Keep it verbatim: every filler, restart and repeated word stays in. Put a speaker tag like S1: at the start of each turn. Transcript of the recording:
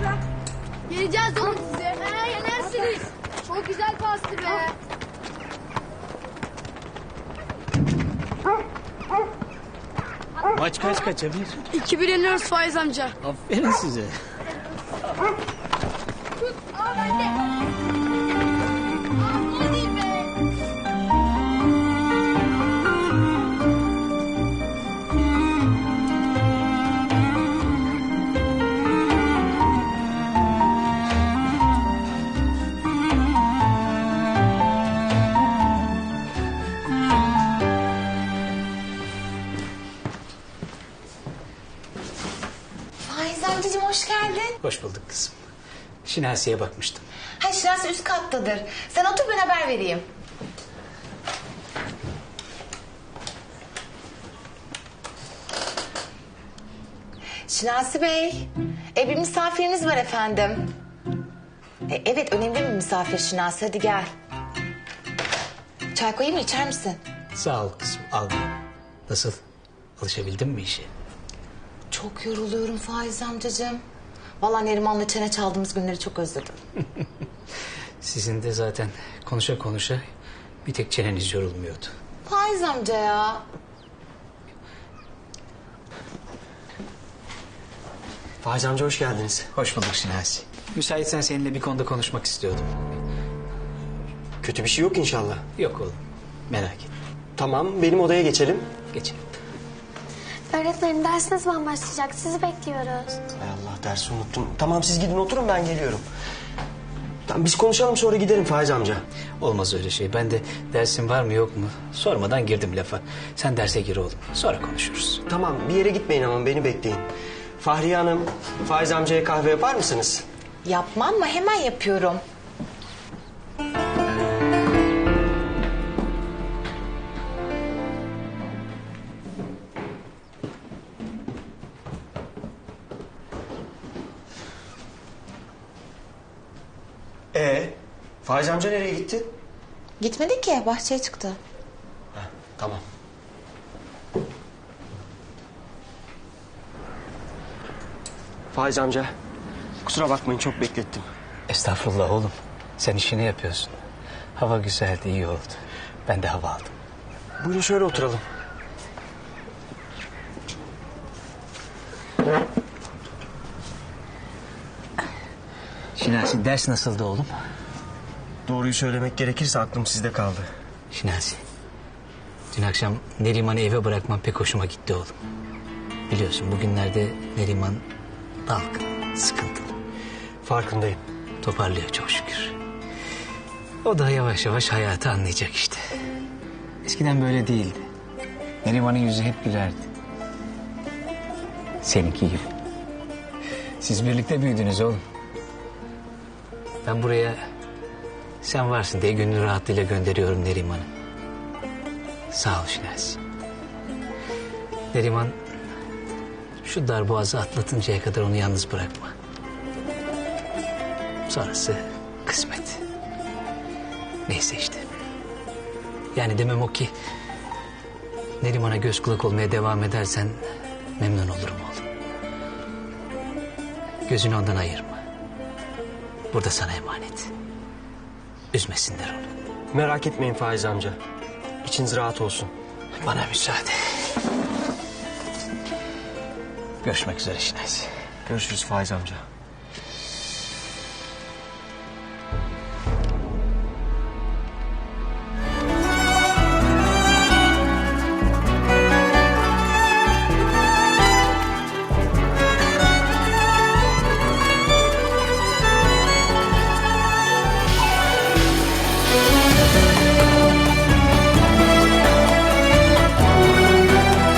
S1: Yeneceğiz oğlum size. He yenersiniz. Çok güzel pastı be.
S2: Maç kaç kaça bir?
S1: İki bir yeniyoruz Faiz amca.
S2: Aferin size.
S1: Tut. Aa bende. Aa gol değil be.
S3: Faiz amcacığım hoş geldin.
S2: Hoş bulduk kızım. Şinasi'ye bakmıştım.
S3: Ha Şinasi üst kattadır. Sen otur ben haber vereyim. Şinasi Bey, e, bir misafiriniz var efendim. E, evet önemli bir misafir Şinasi, hadi gel. Çay koyayım mı, içer misin?
S2: Sağ ol kızım, al. Nasıl? Alışabildin mi işe?
S3: Çok yoruluyorum Faiz amcacığım. Vallahi Neriman'la çene çaldığımız günleri çok özledim.
S2: Sizin de zaten konuşa konuşa bir tek çeneniz yorulmuyordu.
S3: Faiz amca ya.
S4: Faiz amca hoş geldiniz.
S2: Hoş bulduk Şinasi. Müsaitsen seninle bir konuda konuşmak istiyordum.
S4: Kötü bir şey yok inşallah.
S2: Yok oğlum, merak etme.
S4: Tamam, benim odaya geçelim.
S2: Geçelim.
S5: Öğretmenim dersiniz zaman başlayacak. Sizi bekliyoruz.
S4: Hay Allah, dersi unuttum. Tamam, siz gidin oturun, ben geliyorum. Tamam, biz konuşalım sonra giderim Faiz amca.
S2: Olmaz öyle şey. Ben de dersin var mı yok mu sormadan girdim lafa. Sen derse gir oğlum. Sonra konuşuruz.
S4: Tamam, bir yere gitmeyin ama beni bekleyin. Fahriye Hanım, Faiz amcaya kahve yapar mısınız?
S3: Yapmam mı? Hemen yapıyorum.
S4: Ee, Faiz amca nereye gitti?
S3: Gitmedi ki, bahçeye çıktı.
S4: Ha, tamam. Faiz amca, kusura bakmayın çok beklettim.
S2: Estağfurullah oğlum. Sen işini yapıyorsun. Hava güzeldi, iyi oldu. Ben de hava aldım.
S4: Buyurun şöyle oturalım.
S2: Şinasi, ders nasıldı oğlum?
S4: Doğruyu söylemek gerekirse aklım sizde kaldı.
S2: Şinasi, dün akşam Neriman'ı eve bırakman pek hoşuma gitti oğlum. Biliyorsun bugünlerde Neriman dalgın, sıkıntılı.
S4: Farkındayım.
S2: Toparlıyor çok şükür. O da yavaş yavaş hayatı anlayacak işte. Eskiden böyle değildi. Neriman'ın yüzü hep gülerdi. Seninki gibi. Siz birlikte büyüdünüz oğlum. Ben buraya sen varsın diye gönül rahatlığıyla gönderiyorum Neriman'ı. Sağ ol Şinasi. Neriman şu darboğazı atlatıncaya kadar onu yalnız bırakma. Sonrası kısmet. Neyse işte. Yani demem o ki Neriman'a göz kulak olmaya devam edersen memnun olurum oğlum. Gözünü ondan ayırma. Burada sana emanet. Üzmesinler onu.
S4: Merak etmeyin Faiz amca. İçiniz rahat olsun.
S2: Bana müsaade. Görüşmek üzere Şinasi.
S4: Görüşürüz Faiz amca.